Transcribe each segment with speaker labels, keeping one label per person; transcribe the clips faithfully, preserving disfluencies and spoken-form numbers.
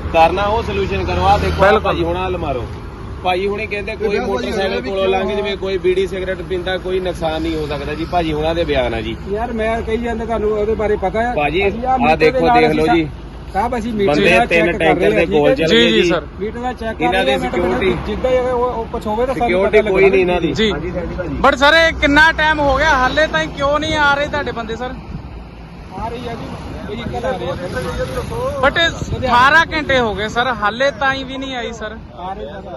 Speaker 1: ਕਰਨਾ ਉਹ ਸੋਲੂਸ਼ਨ ਕਰੋ। ਆ ਦੇਖੋ ਭਾਜੀ ਹੁਣ ਹੱਲ ਮਾਰੋ। ਭਾਜੀ ਹੁਣੇ ਕਹਿੰਦੇ ਕੋਈ ਮੋਟਰਸਾਈਕਲ ਕੋਲੋਂ ਲੰਘ ਜਵੇ, ਕੋਈ ਬੀੜੀ ਸਿਗਰਟ ਪੀਂਦਾ, ਕੋਈ ਨੁਕਸਾਨ ਨਹੀਂ ਹੋ ਸਕਦਾ ਜੀ। ਭਾਜੀ ਹੁਣਾਂ ਦੇ ਬਿਆਨ ਆ ਜੀ।
Speaker 2: ਯਾਰ ਮੈਂ ਕਹੀ ਜਾਂਦਾ ਤੁਹਾਨੂੰ ਉਹਦੇ ਬਾਰੇ ਪਤਾ ਹੈ
Speaker 1: ਭਾਜੀ। ਆ ਦੇਖੋ ਦੇਖ ਲਓ ਜੀ
Speaker 2: ਸਾਹਿਬ, ਅਸੀਂ ਮੀਟਰ
Speaker 1: ਬੰਦੇ ਤਿੰਨ ਟੈਂਕਰ ਦੇ ਕੋਲ ਚੱਲ ਗਏ ਜੀ।
Speaker 2: ਸਰ ਮੀਟਰ ਦਾ ਚੈੱਕ ਕਰ
Speaker 1: ਇਹਨਾਂ ਦੀ ਸਿਕਿਉਰਿਟੀ
Speaker 2: ਜਿੱਦਾਂ ਉਹ ਕੁਝ ਹੋਵੇ ਤਾਂ
Speaker 1: ਸਿਕਿਉਰਿਟੀ ਕੋਈ ਨਹੀਂ ਇਹਨਾਂ ਦੀ
Speaker 3: ਜੀ। ਬਟ ਸਰ ਇਹ ਕਿੰਨਾ ਟਾਈਮ ਹੋ ਗਿਆ ਹਾਲੇ ਤਾਈਂ ਕਿਉਂ ਨਹੀਂ ਆ ਰਹੇ ਤੁਹਾਡੇ ਬੰਦੇ ਸਰ?
Speaker 2: ਆ ਰਹੀ ਹੈ ਜੀ ਵਹੀਕਲ ਆ ਰਹੀ ਹੈ
Speaker 3: ਬਟ ਅਠਾਰਾਂ ਘੰਟੇ ਹੋ ਗਏ ਸਰ, ਹਾਲੇ ਤਾਈਂ ਵੀ ਨਹੀਂ ਆਈ ਸਰ।
Speaker 2: ਆ ਰਹੀ ਹੈ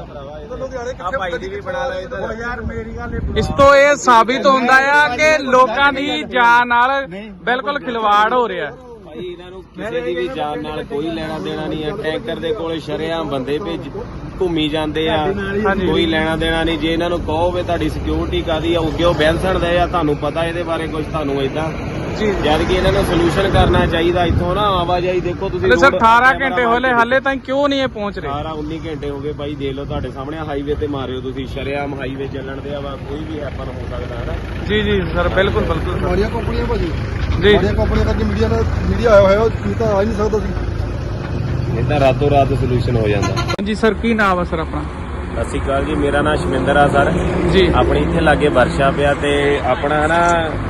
Speaker 1: ਆ ਭਾਈ ਦੀ ਵੀ ਬਣਾ ਲਓ ਇੱਧਰ।
Speaker 2: ਯਾਰ ਮੇਰੀ ਗੱਲ
Speaker 3: ਇਸ ਤੋਂ ਇਹ ਸਾਬਿਤ ਹੁੰਦਾ ਆ ਕਿ ਲੋਕਾਂ ਦੀ ਜਾਨ ਨਾਲ ਬਿਲਕੁਲ ਖਿਲਵਾੜ ਹੋ ਰਿਹਾ।
Speaker 1: ਭਾਈ ਇਹਨਾਂ ਨੂੰ ਕਿਸੇ ਦੀ ਵੀ ਜਾਨ ਨਾਲ ਕੋਈ ਲੈਣਾ ਦੇਣਾ ਨਹੀਂ ਹੈ। ਟੈਂਕਰ ਦੇ ਕੋਲ ਸ਼ਰੇਆਮ ਬੰਦੇ ਭੇਜ ਘੁੰਮੀ ਜਾਂਦੇ ਆ, ਕੋਈ ਲੈਣਾ ਦੇਣਾ ਨਹੀਂ। ਜੇ ਇਹਨਾਂ ਨੂੰ ਕਹੋ ਵੀ ਤੁਹਾਡੀ ਸਿਕਿਉਰਿਟੀ ਕਾਦੀ ਆ, ਅੱਗੇ ਉਹ ਬੈਂਸਣ ਦੇ ਆ, ਤੁਹਾਨੂੰ ਪਤਾ ਇਹਦੇ ਬਾਰੇ ਕੁਝ ਤੁਹਾਨੂੰ ਏਦਾਂ
Speaker 3: ਜੀ।
Speaker 1: ਜਦ ਕਿ ਇਹਨਾਂ ਨੂੰ ਸੋਲੂਸ਼ਨ ਕਰਨਾ ਚਾਹੀਦਾ। ਇੱਥੋਂ ਨਾ ਆਵਾਜਾਈ ਦੇਖੋ ਤੁਸੀਂ
Speaker 3: ਸਰ ਅਠਾਰਾਂ ਘੰਟੇ ਹੋਲੇ ਹਾਲੇ ਤਾਈਂ ਕਿਉਂ ਨਹੀਂ ਇਹ ਪਹੁੰਚ ਰਹੇ?
Speaker 1: ਅਠਾਰਾਂ ਉੱਨੀ ਘੰਟੇ ਹੋ ਗਏ ਭਾਈ, ਦੇਖ ਲਓ ਤੁਹਾਡੇ ਸਾਹਮਣੇ ਹਾਈਵੇ ਤੇ ਮਾਰਿਓ ਤੁਸੀਂ, ਸ਼ਰੇਆਮ ਹਾਈਵੇ ਚੱਲਣ ਦੇ ਆ ਵਾ, ਕੋਈ ਵੀ ਹੈਪਨ ਹੋ ਸਕਦਾ ਹੈ ਨਾ।
Speaker 3: ਜੀ ਜੀ ਸਰ ਬਿਲਕੁਲ ਬਿਲਕੁਲ
Speaker 2: ਮਾੜੀਆਂ ਕੰਪਨੀਆਂ ਭਾਜੀ,
Speaker 3: ਜੀ
Speaker 2: ਮਾੜੀਆਂ ਕੰਪਨੀਆਂ ਕਰਕੇ ਮੀਡੀਆ ਨਾਲ ਮੀਡੀਆ ਆਇਆ ਹੋਇਆ, ਉਹ ਤਾਂ ਆ ਹੀ ਨਹੀਂ ਸਕਦਾ ਸੀ।
Speaker 1: ਇਹ ਤਾਂ ਰਾਤੋਂ ਰਾਤ ਸੋਲੂਸ਼ਨ ਹੋ ਜਾਂਦਾ।
Speaker 3: ਹਾਂਜੀ ਸਰ ਕੀ ਨਾਮ ਆ ਸਰ ਆਪਣਾ?
Speaker 1: ਸਤਿ ਸ਼੍ਰੀ ਅਕਾਲ ਜੀ, ਮੇਰਾ ਨਾਮ ਸ਼ਮਿੰਦਰ ਆ ਸਰ
Speaker 3: ਜੀ।
Speaker 1: ਆਪਣੀ ਇੱਥੇ ਲਾਗੇ ਵਰਸ਼ਾ ਪਿਆ ਤੇ ਆਪਣਾ ਨਾ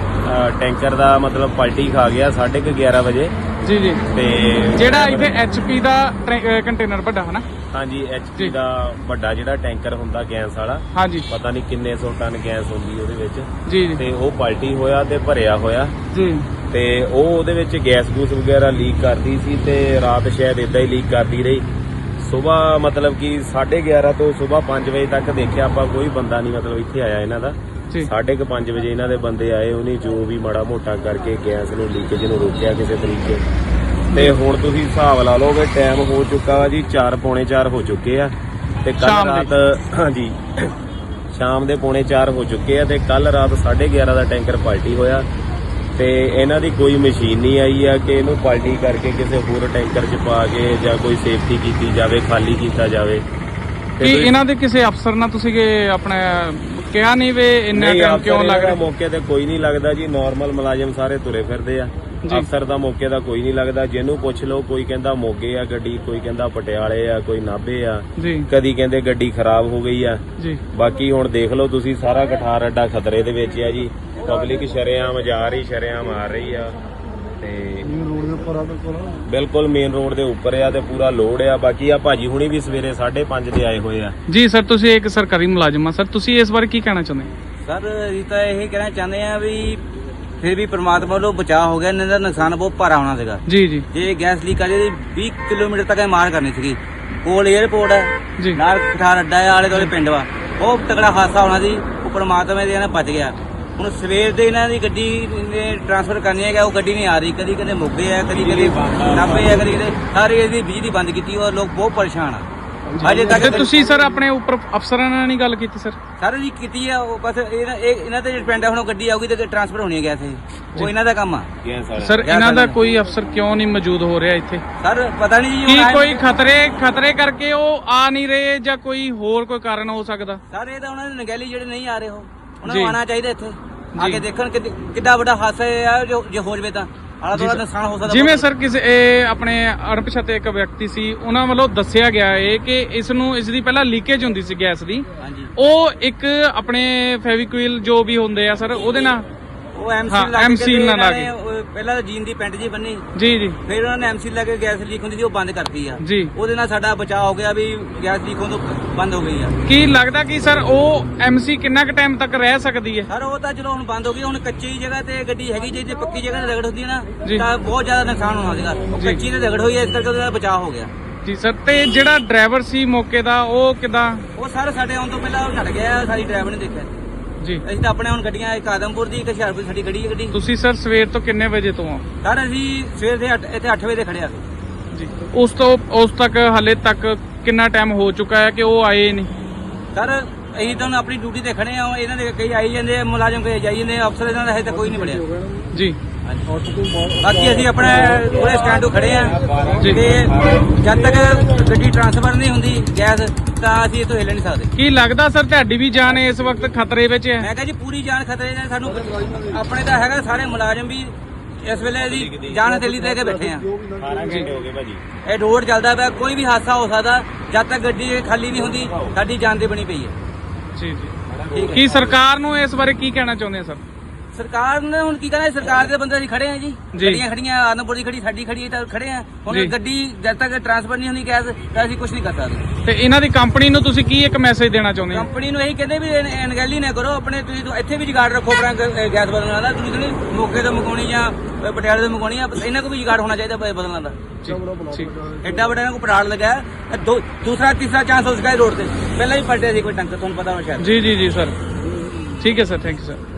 Speaker 1: ਟੈਂਕਰ ਦਾ ਮਤਲਬ ਪਲਟੀ ਖਾ ਗਿਆ ਸਾਢੇ ਕੁ ਗਿਆਰਾਂ ਵਜੇ।
Speaker 3: ਜੀ ਜੀ।
Speaker 1: ਤੇ
Speaker 3: ਜਿਹੜਾ ਇੱਥੇ ਐਚ ਪੀ ਦਾ ਕੰਟੇਨਰ ਵੱਡਾ ਹੈ ਨਾ?
Speaker 1: ਹਾਂਜੀ, ਐਚ ਪੀ ਦਾ ਵੱਡਾ ਜਿਹੜਾ ਟੈਂਕਰ ਹੁੰਦਾ ਗੈਸ ਵਾਲਾ,
Speaker 3: ਹਾਂਜੀ
Speaker 1: ਪਤਾ ਨਹੀਂ ਕਿੰਨੇ ਸੌ ਟਨ ਗੈਸ ਹੁੰਦੀ ਉਹਦੇ ਵਿੱਚ।
Speaker 3: ਜੀ ਜੀ।
Speaker 1: ਤੇ ਉਹ ਪਲਟੀ ਹੋਇਆ ਤੇ ਭਰਿਆ ਹੋਇਆ
Speaker 3: ਜੀ।
Speaker 1: ਤੇ ਉਹ ਉਹਦੇ ਵਿੱਚ ਗੈਸ ਗੂਸ ਵਗੈਰਾ ਲੀਕ ਕਰਦੀ ਸੀ ਤੇ ਰਾਤ ਸ਼ਾਇਦ ਇਦਾਂ ਹੀ ਲੀਕ ਕਰਦੀ ਰਹੀ। ਸੁਬਾਹ ਮਤਲਬ ਕਿ ਸਾਢੇ ਗਿਆਰਾਂ ਤੋਂ ਸੁਬਾਹ ਪੰਜ ਵਜੇ ਤੱਕ ਦੇਖਿਆ ਆਪਾਂ, ਕੋਈ ਬੰਦਾ ਨਹੀਂ ਮਤਲਬ ਇੱਥੇ ਆਇਆ ਇਹਨਾਂ ਦਾ। ਸਾਢੇ ਕੁ ਪੰਜ ਵਜੇ ਇਹਨਾਂ ਦੇ ਬੰਦੇ ਆਏ, ਉਹਨੇ ਜੋ ਵੀ ਮਾੜਾ ਮੋਟਾ ਕਰਕੇ ਗੈਸ ਨੂੰ ਲੀਕੇਜ ਨੂੰ ਰੋਕਿਆ ਕਿਸੇ ਤਰੀਕੇ। ਤੇ ਹੁਣ ਤੁਸੀਂ ਹਿਸਾਬ ਲਾ ਲਓ ਕਿ ਟਾਈਮ ਹੋ ਚੁੱਕਾ ਵਾ ਜੀ, ਚਾਰ ਪੌਣੇ ਚਾਰ ਹੋ ਚੁੱਕੇ ਆ ਤੇ ਕੱਲ ਰਾਤ ਹਾਂਜੀ ਸ਼ਾਮ ਦੇ ਪੌਣੇ ਚਾਰ ਹੋ ਚੁੱਕੇ ਆ ਤੇ ਕੱਲ ਰਾਤ ਸਾਢੇ ਗਿਆਰਾਂ ਦਾ ਟੈਂਕਰ ਪਲਟੀ ਹੋਇਆ ਤੇ ਇਹਨਾਂ ਦੀ ਕੋਈ ਮਸ਼ੀਨ ਨਹੀਂ ਆਈ ਆ ਕਿ ਇਹਨੂੰ ਪਲਟੀ ਕਰਕੇ ਕਿਸੇ ਹੋਰ ਟੈਂਕਰ 'ਚ ਪਾ ਕੇ ਜਾਂ ਕੋਈ ਸੇਫਟੀ ਕੀਤੀ ਜਾਵੇ, ਖਾਲੀ ਕੀਤਾ ਜਾਵੇ।
Speaker 3: ਕੀ ਇਹਨਾਂ ਦੇ ਕਿਸੇ ਅਫਸਰ ਨਾਲ ਤੁਸੀਂ ਆਪਣਾ ਕਿਹਾ ਨਹੀਂ ਵੇ ਇੰਨਾ ਟਾਈਮ ਕਿਉਂ ਲੱਗ ਰਿਹਾ?
Speaker 1: ਮੌਕੇ ਤੇ ਕੋਈ ਨਹੀਂ ਲੱਗਦਾ ਜੀ, ਨਾਰਮਲ ਮੁਲਾਜ਼ਮ ਸਾਰੇ ਤੁਰੇ ਫਿਰਦੇ ਆ। ਅਫਸਰ ਦਾ ਮੌਕੇ ਦਾ ਕੋਈ ਨਹੀਂ ਲੱਗਦਾ। ਜਿਹਨੂੰ ਪੁੱਛ ਲਓ, ਕੋਈ ਕਹਿੰਦਾ ਮੋਗੇ ਆ ਗੱਡੀ, ਕੋਈ ਕਹਿੰਦਾ ਪਟਿਆਲੇ ਆ, ਕੋਈ ਨਾਭੇ ਆ, ਕਦੀ ਕਹਿੰਦੇ ਗੱਡੀ ਖਰਾਬ ਹੋ ਗਈ ਆ ਜੀ। ਬਾਕੀ ਹੁਣ ਦੇਖ ਲਓ ਤੁਸੀਂ, ਸਾਰਾ ਕਠਾਰ ਅੱਡਾ ਖਤਰੇ ਦੇ ਵਿੱਚ ਆ ਜੀ। ਪਬਲਿਕ ਸ਼ਰੇਆਮ ਜਾ ਰਹੀ, ਸ਼ਰੇਆਮ ਆ ਰਹੀ ਆ ਤੇ ਬਿਲਕੁਲ ਮੇਨ ਰੋਡ ਦੇ ਉੱਪਰ ਆ ਤੇ ਪੂਰਾ ਲੋਡ ਆ। ਬਾਕੀ ਆ ਭਾਜੀ ਹੁਣੀ ਵੀ ਸਵੇਰੇ ਸਾਢੇ ਪੰਜ ਦੇ ਆਏ ਹੋਏ ਆ
Speaker 3: ਜੀ। ਸਰ ਤੁਸੀਂ ਇੱਕ ਸਰਕਾਰੀ ਮੁਲਾਜ਼ਮ ਆ ਸਰ, ਤੁਸੀਂ ਇਸ ਬਾਰੇ ਕੀ ਕਹਿਣਾ ਚਾਹੁੰਦੇ?
Speaker 4: ਸਰ ਅਸੀਂ ਤਾਂ ਇਹ ਕਹਿਣਾ ਚਾਹੁੰਦੇ ਆ ਵੀ ਫਿਰ ਵੀ ਪ੍ਰਮਾਤਮਾ ਵੱਲੋਂ ਬਚਾਅ ਹੋ ਗਿਆ, ਇਹਨਾਂ ਦਾ ਨੁਕਸਾਨ ਬਹੁਤ ਭਾਰਾ ਹੋਣਾ ਸੀਗਾ ਜੀ ਜੀ। ਜੇ ਗੈਸ ਲੀਕ ਆ ਜੇ ਵੀਹ ਕਿਲੋਮੀਟਰ ਤੱਕ ਮਾਰ ਕਰਨੀ ਸੀਗੀ। ਕੋਲ ਏਅਰਪੋਰਟ ਹੈ, ਨਾਲ ਕਠਾਰ ਅੱਡਾ ਹੈ, ਆਲੇ ਦੁਆਲੇ ਪਿੰਡ ਵਾ, ਉਹ ਤਕੜਾ ਹਾਦਸਾ ਹੋਣਾ ਸੀ। ਉਹ ਪ੍ਰਮਾਤਮਾ ਦੇ ਨਾਲ ਬਚ ਗਿਆ। ਹੁਣ ਸਵੇਰ ਦੇ ਇਹਨਾਂ ਦੀ ਗੱਡੀ ਨੇ ਟ੍ਰਾਂਸਫਰ ਕਰਨੀ ਹੈ, ਉਹ ਗੱਡੀ ਨਹੀਂ ਆ ਰਹੀ। ਕਦੀ ਕਦੇ ਮੋਗੇ ਆ, ਕਦੀ ਕਦੇ ਨਾਭੇ ਆ, ਕਦੀ ਕਦੇ ਸਾਰੇ ਇਹਦੀ ਬਿਜਲੀ ਬੰਦ ਕੀਤੀ ਔਰ ਲੋਕ ਬਹੁਤ ਪਰੇਸ਼ਾਨ ਆ ਅਜੇ ਤੱਕ।
Speaker 3: ਤੁਸੀਂ ਸਰ ਆਪਣੇ ਉੱਪਰ ਅਫਸਰਾਂ ਨਾਲ ਨਹੀਂ ਗੱਲ ਕੀਤੀ? ਸਰ
Speaker 4: ਸਰ ਜੀ ਕੀਤੀ ਆ, ਉਹ ਬਸ ਇਹਨਾਂ ਤੇ ਡਿਪੈਂਡ ਆ। ਹੁਣ ਗੱਡੀ ਆਊਗੀ ਤੇ ਟ੍ਰਾਂਸਫਰ ਹੋਣੀ ਹੈ ਗੈਸ, ਉਹ ਇਹਨਾਂ ਦਾ ਕੰਮ ਆ।
Speaker 3: ਸਰ ਇਹਨਾਂ ਦਾ ਕੋਈ ਅਫਸਰ ਕਿਉਂ ਨਹੀਂ ਮੌਜੂਦ ਹੋ ਰਿਹਾ ਇੱਥੇ?
Speaker 4: ਸਰ ਪਤਾ ਨਹੀਂ
Speaker 3: ਜੀ, ਕੀ ਕੋਈ ਖਤਰੇ ਖਤਰੇ ਕਰਕੇ ਉਹ ਆ ਨਹੀਂ ਰਹੇ ਜਾਂ ਕੋਈ ਹੋਰ ਕੋਈ ਕਾਰਨ ਹੋ ਸਕਦਾ?
Speaker 4: ਸਰ ਇਹ ਤਾਂ ਉਹਨਾਂ ਦੇ ਨਗੈਲੀ ਜਿਹੜੇ ਨਹੀਂ ਆ ਰਹੇ, ਉਹ ਉਹਨਾਂ ਨੂੰ ਆਉਣਾ ਚਾਹੀਦਾ ਇੱਥੇ ਆ ਕੇ ਦੇਖਣ ਕਿੱਡਾ ਵੱਡਾ ਹਾਦਸਾ ਆ। ਜੋ ਜੇ ਹੋ ਜਵੇ ਤਾਂ ਆਲਾ ਦੁਆਲਾ ਨੁਕਸਾਨ ਹੋ ਸਕਦਾ।
Speaker 3: ਜਿਵੇਂ ਸਰ ਕਿਸੇ ਇਹ ਆਪਣੇ ਅਣਪਛਾਤੇ ਇੱਕ ਵਿਅਕਤੀ ਸੀ, ਉਹਨਾਂ ਵੱਲੋਂ ਦੱਸਿਆ ਗਿਆ ਹੈ ਕਿ ਇਸ ਨੂੰ ਇਸ ਦੀ ਪਹਿਲਾਂ ਲੀਕੇਜ ਹੁੰਦੀ ਸੀ ਗੈਸ ਦੀ। ਉਹ ਇੱਕ ਆਪਣੇ ਫੈਵੀਕੁਇਲ ਜੋ ਵੀ ਹੁੰਦੇ ਆ ਸਰ, ਉਹਦੇ ਨਾਲ
Speaker 4: ਉਹ ਐਮਸੀ ਨਾਲ ਲਾ ਕੇ ਪਹਿਲਾਂ ਤਾਂ ਜੀਨ ਦੀ ਪੈਂਟ ਜੀ ਬੰਨੀ ਜੀ ਜੀ, ਫਿਰ ਉਹਨਾਂ ਨੇ ਐਮਸੀ ਲਾ ਕੇ ਗੈਸ ਲੀਕ ਹੁੰਦੀ ਸੀ ਉਹ ਬੰਦ ਕਰਤੀ ਆ ਜੀ। ਉਹਦੇ ਨਾਲ ਸਾਡਾ ਬਚਾਅ ਹੋ ਗਿਆ ਵੀ ਗੈਸ ਲੀਕ ਹੋਣ ਤੋਂ ਬੰਦ ਹੋ ਗਈ ਆ। ਕੀ
Speaker 3: ਲੱਗਦਾ ਕਿ ਸਰ ਉਹ ਐਮਸੀ ਕਿੰਨਾ ਕੁ ਟਾਈਮ ਤੱਕ ਰਹਿ ਸਕਦੀ ਹੈ?
Speaker 4: ਸਰ ਉਹ ਤਾਂ ਚਲੋ ਹੁਣ ਬੰਦ ਹੋ ਗਈ। ਹੁਣ ਕੱਚੀ ਜਗ੍ਹਾ ਤੇ ਗੱਡੀ ਹੈਗੀ, ਜੇ ਪੱਕੀ ਜਗ੍ਹਾ ਤੇ ਰਗੜ ਹੁੰਦੀ ਨਾ ਤਾਂ ਬਹੁਤ ਜ਼ਿਆਦਾ ਨੁਕਸਾਨ ਹੋਣਾ ਸੀਗਾ। ਕੱਚੀ ਤੇ ਰਗੜ ਹੋਈ, ਇਸ ਕਰਕੇ ਉਹਦਾ ਬਚਾਅ ਹੋ ਗਿਆ
Speaker 3: ਜੀ ਸਰ। ਤੇ ਜਿਹੜਾ ਡਰਾਈਵਰ ਸੀ ਮੌਕੇ ਦਾ, ਉਹ ਕਿਦਾਂ?
Speaker 4: ਉਹ ਸਰ ਸਾਡੇ ਆਉਣ ਤੋਂ ਪਹਿਲਾਂ ਉਹ ਛੱਡ ਗਿਆ, ਸਾਡੀ ਡਰਾਈਵਰ ਨੇ ਦੇਖਿਆ ਜੀ। ਅਸੀਂ ਤਾਂ ਆਪਣੇ ਹੁਣ ਗੱਡੀਆਂ, ਇੱਕ ਆਦਮਪੁਰ ਦੀ, ਇੱਕ ਹੁਸ਼ਿਆਰਪੁਰ ਸਾਡੀ ਗੱਡੀ ਹੈ ਗੱਡੀ।
Speaker 3: ਤੁਸੀਂ ਸਰ ਸਵੇਰ ਤੋਂ ਕਿੰਨੇ ਵਜੇ ਤੋਂ ਆ?
Speaker 4: ਸਰ ਅਸੀਂ ਸਵੇਰ ਦੇ ਇੱਥੇ ਅੱਠ ਵਜੇ ਦੇ ਖੜੇ ਆ
Speaker 3: ਜੀ। ਉਸ ਤੋਂ ਉਸ ਤੱਕ ਹਾਲੇ ਤੱਕ ਕਿੰਨਾ ਟਾਈਮ ਹੋ ਚੁੱਕਾ ਹੈ ਕਿ ਉਹ ਆਏ ਨਹੀਂ?
Speaker 4: ਸਰ ਅਸੀਂ ਤਾਂ ਆਪਣੀ ਡਿਊਟੀ ਤੇ ਖੜੇ ਆ। ਇਹਨਾਂ ਦੇ ਕਈ ਆਈ ਜਾਂਦੇ, ਮੁਲਾਜ਼ਮ ਕਈ ਜਾਈ ਜਾਂਦੇ, ਅਫਸਰ ਇਹਨਾਂ ਦਾ ਹਜੇ ਤੱਕ ਕੋਈ ਨਹੀਂ ਮਿਲਿਆ ਜੀ। ਬਾਕੀ ਅਸੀਂ ਆਪਣੇ ਪੂਰੇ ਸਟੈਂਡ ਤੋਂ ਖੜੇ ਆ ਤੇ ਜਦ ਤੱਕ ਗੱਡੀ ਟ੍ਰਾਂਸਫਰ ਨਹੀਂ ਹੁੰਦੀ ਗੈਸ, ਤਾਂ ਅਸੀਂ ਇੱਥੋਂ ਹਿੱਲ ਨਹੀਂ ਸਕਦੇ।
Speaker 3: ਕੀ ਲੱਗਦਾ ਸਰ ਤੁਹਾਡੀ ਵੀ ਜਾਨ ਇਸ ਵਕਤ ਖਤਰੇ ਵਿੱਚ ਹੈ?
Speaker 4: ਮੈਂ ਕਿਹਾ ਜੀ ਪੂਰੀ ਜਾਨ ਖਤਰੇ ਨੇ। ਸਾਨੂੰ ਆਪਣੇ ਤਾਂ ਹੈਗਾ, ਸਾਰੇ ਮੁਲਾਜ਼ਮ ਵੀ ਇਸ ਵੇਲੇ ਜੀ ਜਾਨ ਹਥੇਲੀ ਤੇ ਕੇ ਬੈਠੇ ਆ।
Speaker 1: ਅਠਾਰਾਂ ਘੰਟੇ ਹੋ ਗਏ ਭਾਜੀ।
Speaker 4: ਇਹ ਰੋਡ ਚੱਲਦਾ ਪਿਆ, ਕੋਈ ਵੀ ਹਾਦਸਾ ਹੋ ਸਕਦਾ। ਜਦ ਤੱਕ ਗੱਡੀ ਖਾਲੀ ਨਹੀਂ ਹੁੰਦੀ ਸਾਡੀ ਜਾਨ ਤੇ ਬਣੀ ਪਈ ਹੈ।
Speaker 3: ਜੀ ਜੀ
Speaker 4: ਠੀਕ ਹੈ।
Speaker 3: ਕੀ ਸਰਕਾਰ ਨੂੰ ਇਸ ਬਾਰੇ ਕੀ ਕਹਿਣਾ ਚਾਹੁੰਦੇ ਆ ਸਰ?
Speaker 4: ਸਰਕਾਰ ਨੇ ਹੁਣ ਕੀ ਕਹਿਣਾ, ਸਰਕਾਰ ਦੇ ਬੰਦੇ ਅਸੀਂ ਖੜੇ ਆ ਜੀ,
Speaker 3: ਜੀ।
Speaker 4: ਗੱਡੀਆਂ ਖੜੀਆਂ, ਆਨੰਦਪੁਰ ਦੀ ਖੜੀ, ਸਾਡੀ ਖੜੀ ਹੈ ਤਾਂ ਖੜੇ ਆ। ਹੁਣ
Speaker 3: ਜੀ।
Speaker 4: ਗੱਡੀ ਜਦ ਤੱਕ ਟਰਾਂਸਫਰ ਨਹੀਂ ਹੁੰਦੀ ਗੈਸ ਤਾਂ ਅਸੀਂ ਕੁਝ ਨਹੀਂ ਕਰ ਸਕਦੇ।
Speaker 3: ਤੇ ਇਹਨਾਂ ਦੀ ਕੰਪਨੀ ਨੂੰ ਤੁਸੀਂ ਕੀ ਇੱਕ ਮੈਸੇਜ ਦੇਣਾ ਚਾਹੁੰਦੇ ਹੋ?
Speaker 4: ਕੰਪਨੀ ਨੂੰ ਇਹੀ ਕਹਿੰਦੇ ਵੀ ਇਹ ਅਣਗਹਿਲੀ ਨਾ ਕਰੋ, ਆਪਣੇ ਤੁਸੀਂ ਤਾਂ ਇੱਥੇ ਵੀ ਜੁਗਾੜ ਰੱਖੋ ਆਪਣਾ ਗ- ਗੈਸ ਬਦਲਣ ਦਾ। ਤੁਸੀਂ ਨਹੀਂ ਮੋਗੇ ਤੋਂ ਮੰਗਾਉਣੀ ਜਾਂ ਪਟਿਆਲੇ ਤੋਂ ਮੰਗਾਉਣੀ ਆ, ਇਹਨਾਂ ਕੋਲ ਵੀ ਜੁਗਾੜ ਹੋਣਾ ਚਾਹੀਦਾ ਬ- ਬਦਲਣ ਦਾ।
Speaker 3: ਜੀ ਠੀਕ
Speaker 4: ਐਡਾ ਵੱਡਾ ਇਹਨਾਂ ਕੋਲ ਪੜਾੜ ਲਗਾ ਹੈ। ਇਹ ਦੋ- ਦੂਸਰਾ ਤੀਸਰਾ ਚਾਂਸ ਹੋ ਸਕਦਾ ਰੋਡ ਤੇ, ਪਹਿਲਾਂ ਵੀ ਪਲਟਿਆ ਸੀ ਕੋਈ ਟੰਕਰ, ਤੁਹਾਨੂੰ ਪਤਾ ਹੋਣਾ ਸ਼ਾਇਦ।
Speaker 3: ਜੀ ਜੀ ਜੀ ਸਰ, ਠੀਕ ਹੈ ਸਰ, ਥੈਂਕ ਯੂ ਸਰ।